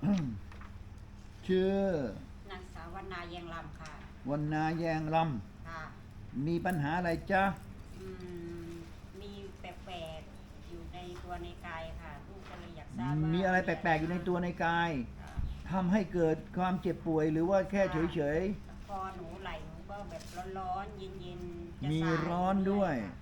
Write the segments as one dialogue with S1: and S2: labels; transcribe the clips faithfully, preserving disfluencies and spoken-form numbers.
S1: ชื่อน
S2: างสาววรรณาแยงลำค่ะ
S1: วรรณาแยงล
S2: ค่ะ
S1: ำมีปัญหาอะไรจ๊ะ
S2: อืมมีแปลกๆอยู่ในตัวในกายค่ะลูกก็เลยอยากทราบว่า
S1: มี
S2: มี
S1: อะไรแปลกๆอยู่ในตัวในกายทำให้เกิดความเจ็บป่วยหรือว่าแค่เฉย
S2: คอหนูไหล่หนูก็แบบร้อนๆเย็นๆจะ
S1: มี
S2: สาย
S1: ร้อนด้วย
S2: ค่ะ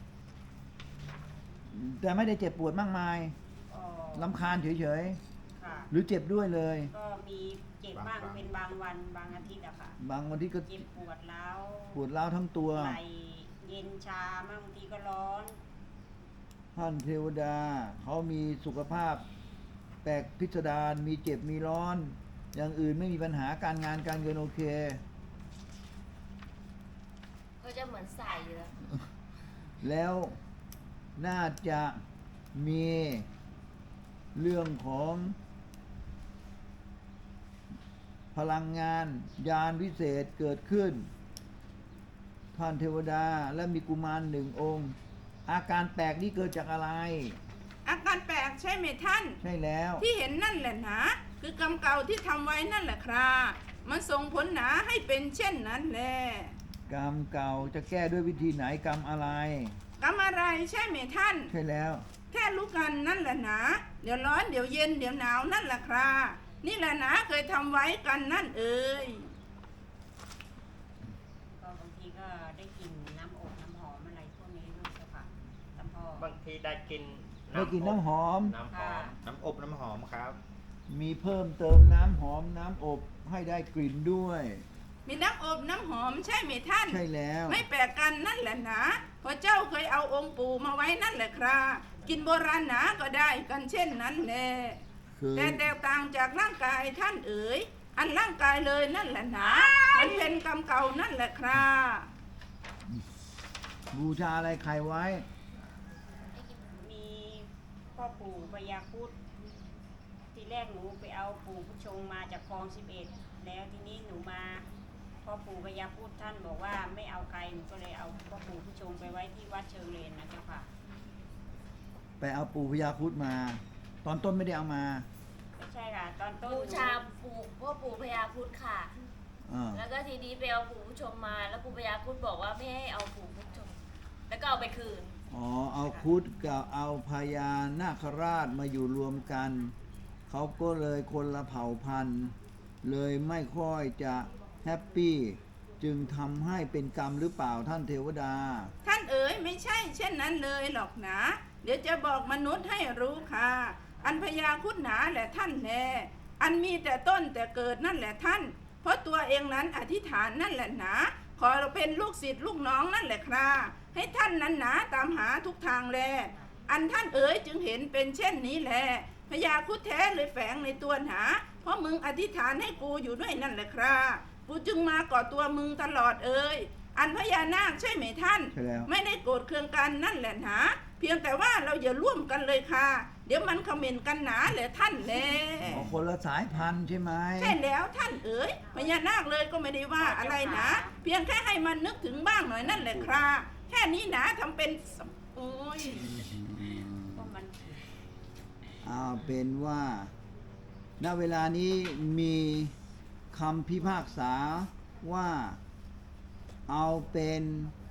S1: ๆ แต่ไม่ได้เจ็บปวดมากมาย
S2: ก็
S1: ลำคาญเฉย
S2: ค่ะ
S1: ๆ หรือเจ็บด้วยเลย
S2: ก็มีเจ็บบ้างเป็นบางวันบางอาทิตย์อะค่ะ
S1: บางวันที่ก็
S2: เจ็บปวดร้าว
S1: ปวดร้าวทั้งตัว
S2: ไหล่เย็นชาบ้างบางทีก็ร้อน
S1: ท่านเทวดาเขามีสุขภาพแปลกพิสดารมีเจ็บมีร้อน อย่างอื่นไม่มีปัญหาการงานการเงินโอเค
S3: ก็จะเหมือนใส่อยู่แล้ว
S1: แล้วน่าจะมีเรื่องของพลังงานยานวิเศษเกิดขึ้น ท่านเทวดาและมีกุมารหนึ่งองค์ อาการแปลกนี้เกิดจากอะไร
S4: อาการแปลกใช่ไหมท่าน
S1: ใช่แล้ว
S4: ที่เห็นนั่นแหละนะคือกรรมเก่าที่ทำไว้นั่นแหละครับมันส่งผลหนาให้เป็นเช่นนั้นแหละ
S1: กรรมเก่าจะแก้ด้วยวิธีไหนกรรมอะไร
S4: กรรมอะไรใช่ไหมท่าน
S1: ใช่แล้ว
S4: แค่รู้กันนั่นแหละนะเดี๋ยวร้อนเดี๋ยวเย็นเดี๋ยวหนาวนั่นแหละครับนี่แหละนะเคยทำไว้กันนั่นเอ่ย
S2: ก็บางทีก็ได้กลิ่นน้ำอบน้ำหอมอะไรพวกนี้ด้วยเจ้าค่ะท่านพ่อบ
S5: างทีได้กิน
S1: ได้กินน้ำหอม
S5: น้ำหอม น้ำอบน้ำหอมครับ
S1: มีเพิ่มเติมน้ำหอมน้ำอบให้ได้กลิ่นด้วย
S4: มีน้ำอบน้ำหอมใช่ไหมท่าน
S1: ใช่แล้ว
S4: ไม่แปลกกันนั่นแหละนะเพราะเจ้าเคยเอาองค์ปู่มาไว้นั่นแหละครับกินโบราณหนาก็ได้กันเช่นนั้นแหละ
S1: คือ
S4: แต่แตกต่างจากร่างกายท่านเอ๋ยอันร่างกายเลยนั่นแหละนะมันเป็นกรรมเก่านั่นแหละครับ
S1: บูชาอะไรใครไว้
S2: มีพ่อปู่พญาครุฑทีแรกหนูไปเอาปู่ผู้ชงมาจากคลองสิบเอ็ดแล้วทีนี้หนูมาพ่อปู่พญาครุฑท่านบอกว่าไม่เอาใครหนูก็เลยเอาพ่อปู่ผู้ชงไปไว้ที่วัดเชิงเลนนะเจ้าค่ะ
S1: ไปเอาปู่พญาครุฑมา ตอนต้นไม่ได้เอามา
S2: ไม่ใช่ค่ะตอนต้น
S3: บู
S2: หนู
S3: ชาปู่พ่อปู่พญาครุฑค่ะ
S1: อ่า
S3: แล้วก็ทีนี้ไปเอาปู่ผู้ชมมา แล้วปู่พญาครุฑบอกว่าไม่ให้เอาปู่ผู้ชม แล้วก็เอาไปคืน
S1: อ๋อ เอาครุฑกับเอาพญานาคราชมาอยู่รวมกัน เขาก็เลยคนละเผ่าพันธุ์ เลยไม่ค่อยจะแฮปปี้ จึงทำให้เป็นกรรมหรือเปล่าท่านเทวดา
S4: ท่านเอ๋ยไม่ใช่เช่นนั้นเลยหรอกนะเดี๋ยวจะบอกมนุษย์ให้รู้ค่ะ อันพญาครุฑหนาแหละท่านแน่อันมีแต่ต้นแต่เกิดนั่นแหละท่าน เพราะตัวเองนั้นอธิษฐานนั่นแหละนะขอเราเป็นลูกศิษย์ลูกน้องนั่นแหละครับให้ท่านนั้นหนาตามหาทุกทางแลอันท่านเอ๋ยจึงเห็นเป็นเช่นนี้แหละพญาครุฑแท้เลยแฝงในตัวหนาเพราะมึงอธิษฐานให้กูอยู่ด้วยนั่นแหละครับกูจึงมาก่อตัวมึงตลอดเอ่ยอันพญานาคใช่ไหมท่าน
S1: ใช่แล้ว
S4: ไม่ได้โกรธเคืองกันนั่นแหละหนาเพียงแต่ว่าเราอย่าร่วมกันเลยค่ะ เดี๋ยวมันเขม่นกันหนาแหละท่านแล
S1: อ๋อ คนละสายพันธุ์ใช่ไหม
S4: ใช่แล้วท่านเอ๋ยพญานาคเลยก็ไม่ได้ว่าอะไรนะเพียงแค่ให้มันนึกถึงบ้างหน่อยนั่นแหละครับแค่นี้นะทำเป็นสัมโอ้ย
S2: ก็มัน
S1: เอาเป็นว่า ณ เวลานี้มีคำพิพากษาว่าเอาเป็น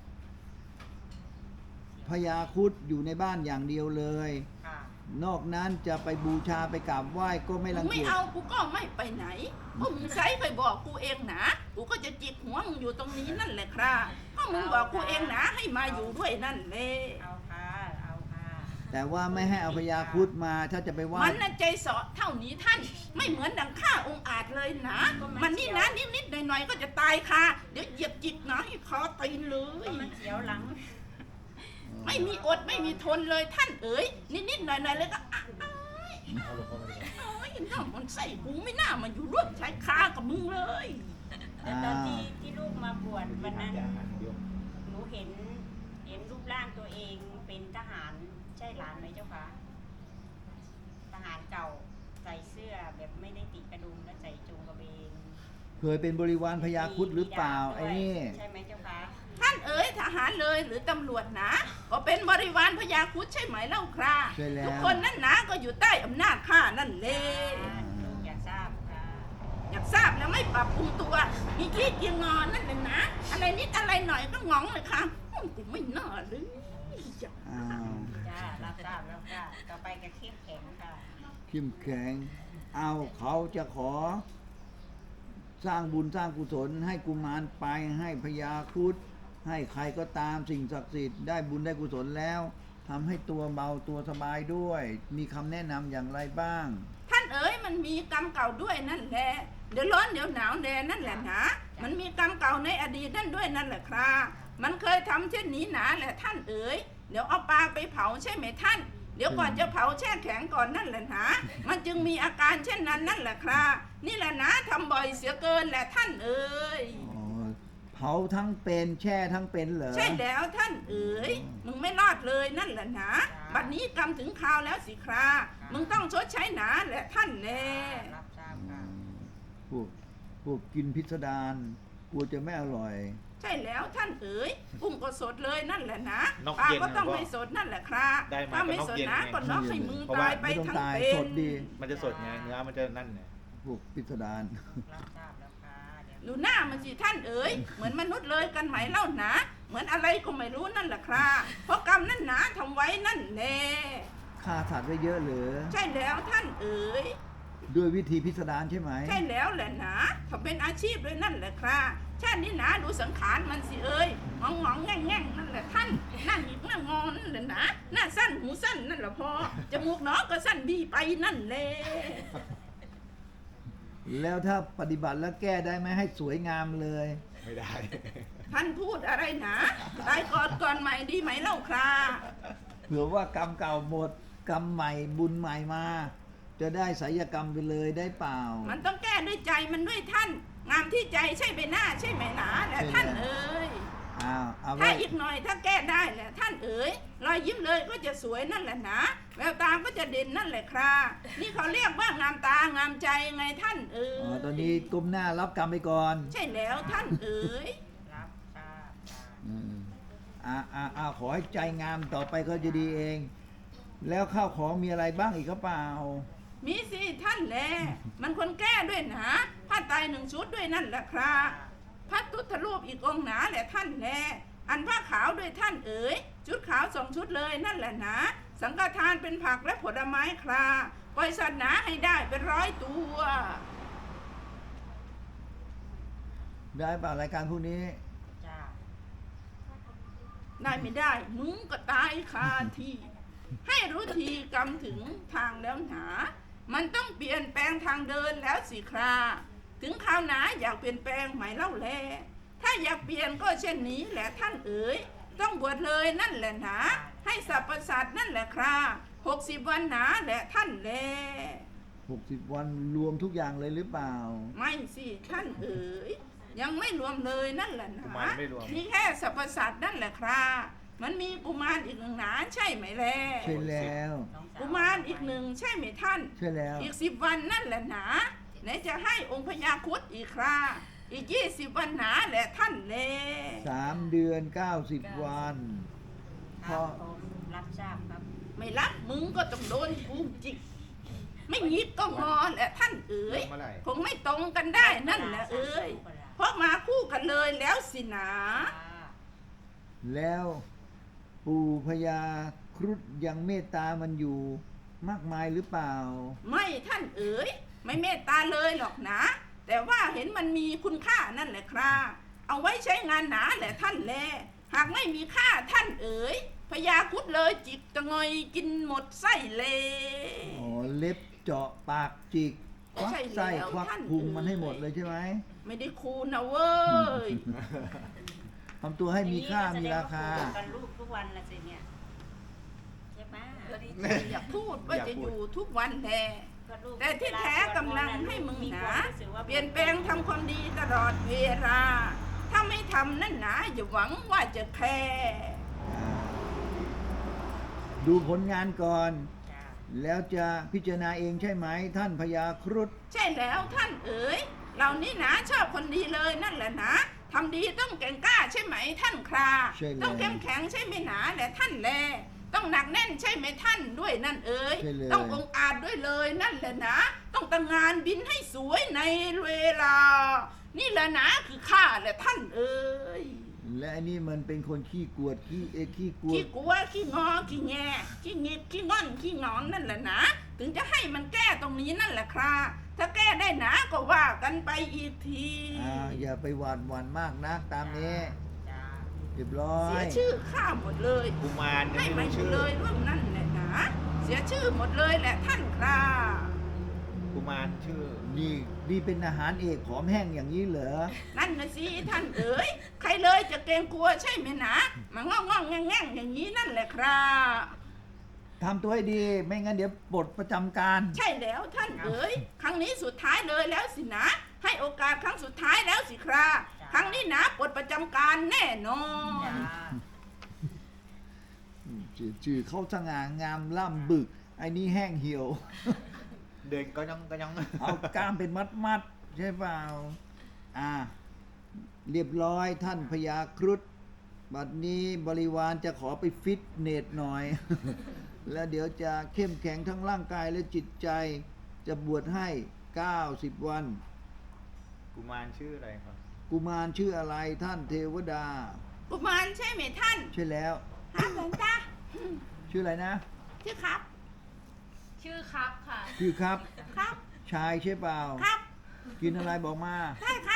S1: พญาครุฑอยู่ในบ้านอย่างเดียวเลย
S2: ค่ะ
S1: นอกนั้นจะไปบูชาไปกราบไหว้ก็ไม่
S4: มึ
S1: รั
S4: ง
S1: ง
S4: ไม่
S1: เกียจ
S4: เอากูก็ไม่ไปไหนเพราะมึงใช้เคยบอกกูเองนะกูก็จะจิกหัวมึงอยู่ตรงนี้นั่นแหละครับเพราะมึงบอกกูเองนะให้มาอยู่ด้วยนั่นเลย
S2: เอาค่ะเอาค่ะ
S1: แต่ว่าไม่ให้เอาพญาครุฑมาถ้าจะไปไหว้
S4: มันน่ะใจเสาะเท่านี้ท่านไม่เหมือนดังข้าองค์อาจเลยนะ มันนี่นะนิดๆหน่อยๆก็จะตายค่ะเดี๋ยวเหยียบจิกนะให้คอตีนเล
S2: ก็
S4: ย
S2: มันเสียวหลัง
S4: ไม่มีอดไม่มีทนเลยท่านเอ๋ยนิดๆหน่อยๆเลยก็อ้ายอ้ายน่ามันใส่กูไม่น่ามาอยู่ร่วมชายคากับมึงเลย
S2: แต่ตอนที่ที่ลูกมาบวชวันนั้นหนูเห็นเห็นรูปร่างตัวเองเป็นทหารใช่หลานไหมเจ้าคะทหารเก่าใส่เสื้อแบบไม่ได้ติดกระดุมและใส่จงกระเบน
S1: เคยเป็นบริวารพญาครุฑหรือเปล่าไอ้นี่
S2: ใช่ไหมเจ้าคะ
S4: ท่านเอ๋ยทหารเลยหรือตำรวจนะก็เป็นบริวารพญาครุฑใช่ไหมเล่าครา
S1: ใช่แล้ว
S4: ทุกคนนั่นนะก็อยู่ใต้อำนาจข้านั่นเลย
S2: ลูกอยากทราบ
S4: ปรับปรุงตัว มีขี้เกียจงอนนั่นแหละนะ อะไรนิดอะไรหน่อยก็งองเลยค่ะอืมกูไม่น่าเลยจ้ะ
S1: อ้าว
S2: จ้ารับทราบแล้วค่ะต่อไปก็เข้มแข็งค่ะ
S1: เข้มแข็งเอาเขาจะขอ สร้างบุญสร้างกุศลให้กุมารไปให้พญาครุฑให้ใครก็ตามสิ่งศักดิ์สิทธิ์ได้บุญได้กุศลแล้วทำให้ตัวเบาตัวสบายด้วย มีคำแนะนำอย่างไรบ้าง
S4: ท่านเอ๋ยมันมีกรรมเก่าด้วยนั่นแหละเดี๋ยวร้อนเดี๋ยวหนาวแดนั่นแหละนะมันมีกรรมเก่าในอดีตนั่นด้วยนั่นแหละครับมันเคยทำเช่นนี้หนาแหละท่านเอ๋ยเดี๋ยวเอาปลาไปเผาใช่ไหมท่าน เดี๋ยวก่อนจะเผาแช่แข็งก่อนนั่นแหละนะมันจึงมีอาการเช่นนั้นนั่นแหละครับนี่แหละนะทำบ่อยเสียเกินแหละท่านเอ๋ย
S1: อ๋อเผาทั้งเป็นแช่ทั้งเป็นเหรอ
S4: ใช่แล้วท่านเอ๋ยมึงไม่รอดเลยนั่นแหละนะบัดนี้กรรมถึงคราวแล้วสิครามึงต้องชดใช้หนาแหละท่านแน่
S2: รับทราบ
S1: อื
S2: ค่ะ
S1: มพวกพวกกินพิสดารกลัวจะไม่อร่อย
S4: ใช่แล้วท่านเอ๋ยกุ้งก็สดเลยนั่นแหละนะ
S5: นก
S4: ปลา
S5: เย็น
S4: ก็ต้อง
S5: นะ
S4: ไม่สดนั่นแหละครับ
S5: ได้มา
S4: ถ้าไม่
S5: ก็นก
S4: สด
S5: เย็น
S4: นะ
S5: ไง
S4: ก็น็อกให้มึง
S5: เพราะว่า
S4: ตายไป
S1: ไม่ต้อง
S4: ทั้ง
S1: ตาย
S4: เป็
S1: ส
S4: น
S1: ดดี
S5: มันจะสดไงเนื้อมันจะนั่นไง
S1: พวกพิสดาร
S2: รับทราบแล้วค่ะเดี๋ยว
S4: ดูหน้ามันสิท่านเอ๋ยเหมือนมนุษย์เลยกันไหมเล่านะเหมือนอะไรก็ไม่รู้นั่นแหละครับเพราะกรรมนั่นหนาทำไว้นั่นแน่
S1: ฆ่าสัตว์ไว้เยอะเหรือ
S4: ใช่แล้วท่านเอ๋ย
S1: ด้วยวิธีพิสดารใช่ไหม
S4: ใช่แล้วแหละนะถ้าเป็นอาชีพด้วยนั่นแหละครับชาตินี้นะดูสังขารมันสิเอ้ยงองงองแง่งแง่งนั่นแหละท่านนั่นอีกหน้างอนนั่นแหละนะหน้าสั้นหูสั้นนั่นแหละพอจมูกน้องก็สั้นบีไปนั่นแหละ
S1: แล้วถ้าปฏิบัติแล้วแก้ได้ไหมให้สวยงามเลย
S5: ไม่ได้
S4: ท่านพูดอะไรนะตายก่อนก่อนใหม่ดีไหมเล่าครับ
S1: เผื่อว่ากรรมเก่าหมด กรรมใหม่บุญใหม่มา จะได้ไสยกรรมไปเลยได้เปล่า
S4: มันต้องแก้ด้วยใจมันด้วยท่าน งามที่ใจใช่ใบหน้าใช่ไหมหนาแหละท่านเอ๋ย
S1: อ้าวเอา
S4: ถ้า
S1: ไว้
S4: อีกหน่อยถ้าแก้ได้แหละท่านเอ๋ยรอยยิ้มเลยก็จะสวยนั่นแหละนะแววตาก็จะเด่นนั่นแหละครับนี่เขาเรียกว่างามตางามใจไงท่านเอ๋
S1: อ๋อย ตอนนี้ก้มหน้ารับกรรมไปก่อน
S4: ใช่แล้วท่านเอ๋ย
S2: รับทราบค่ะ
S1: อืมอ่าอ่าอ่าขอให้ใจงามต่อไปก็จะดีเอง แล้วข้าวของมีอะไรบ้างอีกก็เปล่า
S4: มีสิท่านแลมันคนแก้ด้วยนะผ้าไตรหนึ่งชุดด้วยนั่นแหละครับพระตุทรูปอีกองค์หนาแหละท่านแลอันผ้าขาวด้วยท่านเอ๋ยชุดขาวสองชุดเลยนั่นแหละนะสังฆทานเป็นผักและผลไม้คราปล่อยสัตว์หนาให้ได้เป็นร้อยตัว
S1: ได้เปล่ารายการพวกนี้
S2: จ้า
S4: ได้ไม่ได้มึงก็ตายคาที่ ให้รู้ทีกรรมถึงทางแล้วหนา มันต้องเปลี่ยนแปลงทางเดินแล้วสิคราถึงคราวหนาอยากเปลี่ยนแปลงไหมเล่าแลถ้าอยากเปลี่ยนก็เช่นนี้แหละท่านเอ๋ยต้องบวชเลยนั่นแหละหนาให้สัพพสัตว์นั่นแหละคราหกสิบวันหนาแหละท่านแล
S1: หกสิบวันรวมทุกอย่างเลยหรือเปล่า
S4: ไม่สิท่านเอ๋ยยังไม่รวมเลยนั่นแหละห
S5: กุ
S4: นา
S5: มารไม่รวม
S4: มีแค่สัพพสัตว์นั่นแหละครามันมีกุมารอีกหนึ่งหนาใช่ไหมแล
S1: ใช่แล้ว
S2: น้องสว
S4: กุมารอีกหนึ่งใช่ไหมท่าน
S1: ใช่แล้ว
S4: อีกสิบวันนั่นแหละหนาไหนจะให้องค์พญาครุฑอีกคราอีกยี่สิบวันหนาแหละท่านแล
S1: สามเดือนเก้าสิบวัน
S2: ค
S1: พ
S2: รั
S1: อ
S2: บผมรับทราบครับ
S4: ไม่รับมึงก็ต้องโดนกูจิก ไม่ยิบก็งอแหละท่านเอ๋ย
S5: เมื่อไหร่
S4: คงไม่ตรงกันได้นั่นแหละเอ๋ยเพราะมาคู่กันเลยแล้วสินะ
S1: แล้วปู่พญาครุฑยังเมตตามันอยู่มากมายหรือเปล่า
S4: ไม่ท่านเอ๋ยไม่เมตตาเลยหรอกนะ แต่ว่าเห็นมันมีคุณค่านั่นแหละครับเอาไว้ใช้งานหนาแหละท่านแลหากไม่มีค่าท่านเอ๋ยพญาครุฑเลยจิกตะงอยกินหมดไส้เลย
S1: อ๋อ เล็บเจาะปากจิก ควัก
S4: ใช่
S1: ไส้
S4: แล้ว
S1: ควัก
S4: ท่าน
S1: พุง
S4: เอ๋ย
S1: มันให้หมดเลยใช่ไหม
S4: ไม่ได้คูนะเว้ย
S1: ทำตัวให้มีค่ามีราคา
S2: แสดงว่ปู่กันลูกทุกวันละสิเนี่ยใช่ไหม
S3: ก็ดี
S4: อยากพูดว่าจะอยู่ทุกวันแล
S2: ก็ลูก
S4: แต่ที่แท้กำลังให้มึง
S2: มี
S4: ห
S2: ค
S4: นา
S2: วามรู้สึกว่า
S4: เปลี่ยนแปลงทำความดีตลอดเวลา ถ้าไม่ทำนั่นหนาอย่าหวังว่าจะแคร์
S1: ดูผลงานก่อน
S2: จ้า
S1: แล้วจะพิจารณาเองใช่ไหม ท่านพญาครุฑ
S4: ใช่แล้วท่านเอ๋ยเรานี่หนาชอบคนดีเลยนั่นแหละนะทำดีต้องแก่งกล้าใช่ไหมท่านครา
S1: ใช่แล้ว
S4: ต้องเข้มแข็งใช่ไหมหนาแหละท่านแลต้องหนักแน่นใช่ไหมท่านด้วยนั่นเอ๋ย
S1: ใช่เลย
S4: ต้ององอาจด้วยเลยนั่นแหละนะต้องต้องตั้งงานบินให้สวยในเวลา นี่แหละนะคือข้าและท่านเอ๋ย
S1: และไอ้นี่มันเป็นคนขี้กวดขี้เอขี้กว
S4: ขี้
S1: ด
S4: กลัวขี้งอขี้แงขี้หงิดขี้งอนขี้งอนนั่นแหละนะถึงจะให้มันแก้ตรงนี้นั่นแหละครับถ้าแก้ได้หนาก็ว่ากันไปอีกที
S1: อ่าอย่าไปหวาดหวั่นมากนักตามนี้
S2: จ้า
S1: เรียบร้อ
S4: เสี
S1: ย
S4: ยชื่อข้าหมดเลย
S5: กุมารยัง
S4: ให้
S5: ไม่
S4: มา
S5: รู้
S4: อยู่
S5: ชื่อ
S4: เลยเรื่องนั่นแหละนะเสียชื่อหมดเลยแหละท่านครับ
S5: กุมารชื่อ
S1: นี่นี่เป็นอาหารเอกผอมแห้งอย่างนี้เหรอ
S4: นั่นนะสิท่านเอ๋ยใครเลยจะเกรงกลัวใช่ไหมนะมางองงๆแง่งๆอย่างนี้นั่นแหละครับ
S1: ทำตัวให้ดี ไม่งั้นเดี๋ยวปลดประจำการ
S4: ใช่แล้วท่านเอ๋ยครั้งนี้สุดท้ายเลยแล้วสินะ ให้โอกาสครั้งสุดท้ายแล้วสิครับครั้งนี้นะปลดประจำการแน่นอน
S2: จ้า
S1: ชื่อชื่อเขาสง่างามล่ำบึก ไอ้นี่แห้งเหี่ยว
S5: เดินก็ยังก็ยัง
S1: เอากล้ามเป็นมัดมัดๆใช่เปล่า อ่า เรียบร้อยท่านพญาครุฑบัดนี้บริวารจะขอไปฟิตเนสหน่อย แล้วเดี๋ยวจะเข้มแข็งทั้งร่างกายและจิตใจ จะบวชให้เก้าสิบวัน
S5: กุมารชื่ออะไรครับ
S1: กุมารชื่ออะไรท่านเทวดา
S4: กุมารใช่ไหมท่าน
S1: ใช่แล้ว
S4: ครับหลวงตา
S1: ชื่ออะไรนะ
S4: ชื่อครับ
S3: ชื่อครับค่ะ
S1: ชื่อครับ
S4: ครับ
S1: ชายใช่เปล่า
S4: ครับ
S1: กินอะไรบอกมา
S4: ได้ครับ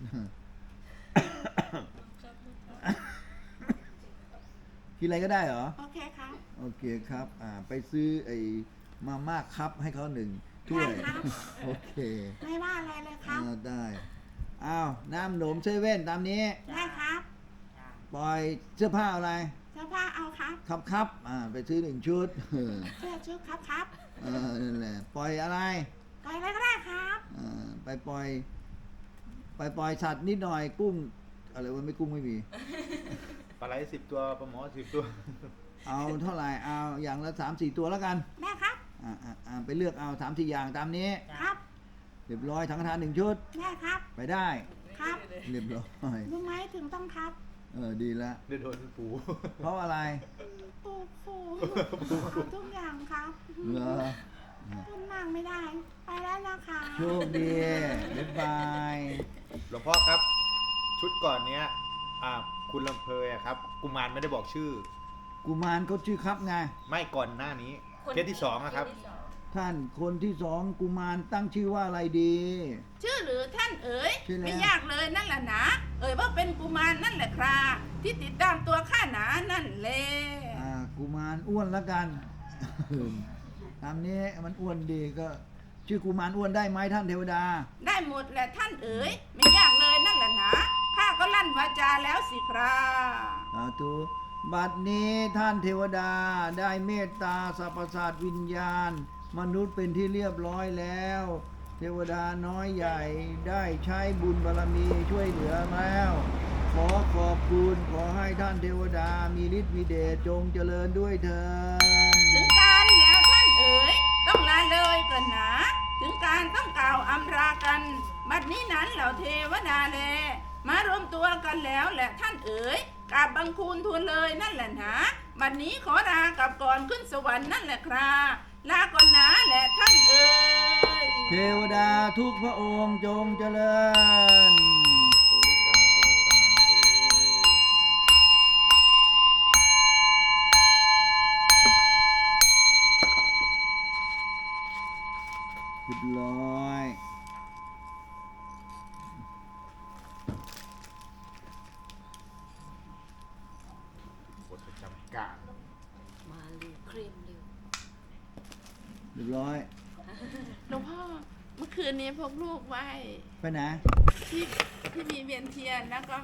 S1: กินอะไรก็ได้เหรอ
S4: โอเคครับ
S1: โอเคครับ อ่า ไปซื้อไอ้มาม่าคัพให้เขาหนึ่งถ้วย
S4: ได้ครับ
S1: โอเค
S4: ไม่ว่าอะไรเลยครับ
S1: อ่าได้ อ้าว น้ำหนมเซเว่นตามนี้
S4: ได้ครับ
S2: จ้า
S1: ปล่อยเสื้อผ้าอะไร
S4: เสื้อผ้าเอาครับ
S1: ครับครับ อ่า ไปซื้อหนึ่งชุด เออ
S4: เสื้อชุดครับครับ
S1: เออนั่นแหละ ปล่อยอะไร
S4: ปล่อยอะไรก็ได้ครับ
S1: อ่า ไปปล่อย ไปปล่อยสัตว์นิดหน่อย กุ้ง อะไรวะไม่กุ้งไม่มี
S5: ปลาไหลสิบตัวปลาหมอสิบตัว
S1: เอาเท่าไหร่ เอาอย่างละสามสี่ตัวแล้วกัน
S4: ได้ครับ
S1: อ่าอ่าอ่าไปเลือกเอาสามสี่อย่างตามนี้
S4: ครับ
S1: เรียบร้อยทั้งทานหนึ่งชุด
S4: ได้ครับ
S1: ไปได้
S4: ครับ
S1: เรียบร้อย
S4: รู้ไหมถึงต้องครับ
S1: เออ ดีละ
S5: เดี๋ยวโดนปู
S1: เพราะอะไร
S4: ปูปูเอาทุกอย่างครับ
S1: เหรอ
S4: พูดมากไม่ได้ ไปแล้วนะคะ
S1: โชคดี บ๊ายบาย
S5: หลวงพ่อครับ ชุดก่อนเนี้ยอ่าคุณลำเพยอะครับ กุมารไม่ได้บอกชื่อ
S1: กุมารเขาชื่อครับไง
S5: ไม่ก่อนหน้านี้
S3: คน
S5: เคสที่สองอะครับ
S3: เสที่สอง
S1: ท่านคนที่สองกุมารตั้งชื่อว่าอะไรดี
S4: ชื่อหรือท่านเอ๋ย
S1: ชื่อแล้ว
S4: ไม่ยากเลยนั่นแหละนะ เอ๋ยว่าเป็นกุมารนั่นแหละครับที่ติดตามตัวข้าหนานั่นแหละ
S1: อ่า กุมารอ้วนแล้วกัน ตามนี้มันอ้วนดีก็ ชื่อกุมารอ้วนได้ไหมท่านเทวดา
S4: ได้หมดแหละท่านเอ๋ยไม่ยากเลยนั่นแหละนะข้าก็ลั่นวาจาแล้วสิครับ
S1: สาธุบัดนี้ท่านเทวดาได้เมตตาสรรพสัตว์วิญญาณ มนุษย์เป็นที่เรียบร้อยแล้ว เทวดาน้อยใหญ่ได้ใช้บุญบารมีช่วยเหลือแล้ว ขอขอบคุณขอให้ท่านเทวดามีฤทธิ์มีเดชจงเจริญด้วยเถิด
S4: ถึงการแล้วท่านเอ๋ยต้องลาเลยกันนะ ถึงการต้องกล่าวอำรากันบัดนี้นั้นเหล่าเทวดาแลมารวมตัวกันแล้วแหละท่านเอ๋ยกราบบังคูลทูลเลยนั่นแหละนะบัดนี้ขอลากลับก่อนขึ้นสวรรค์นั่นแหละครับลาก่อนนะแหละท่านเอ๋ย
S1: เทวดาทุกพระองค์จงเจริญ เรียบร้อย
S5: บทประจำการ
S3: มาเร็วเครีมเร็ว
S1: เรียบร้อย
S4: หลวงพ่อเมื่อคืนนี้พกลูกไว้
S1: ไปไหน
S4: ที่ที่มีเวียนเทียนแล้วก็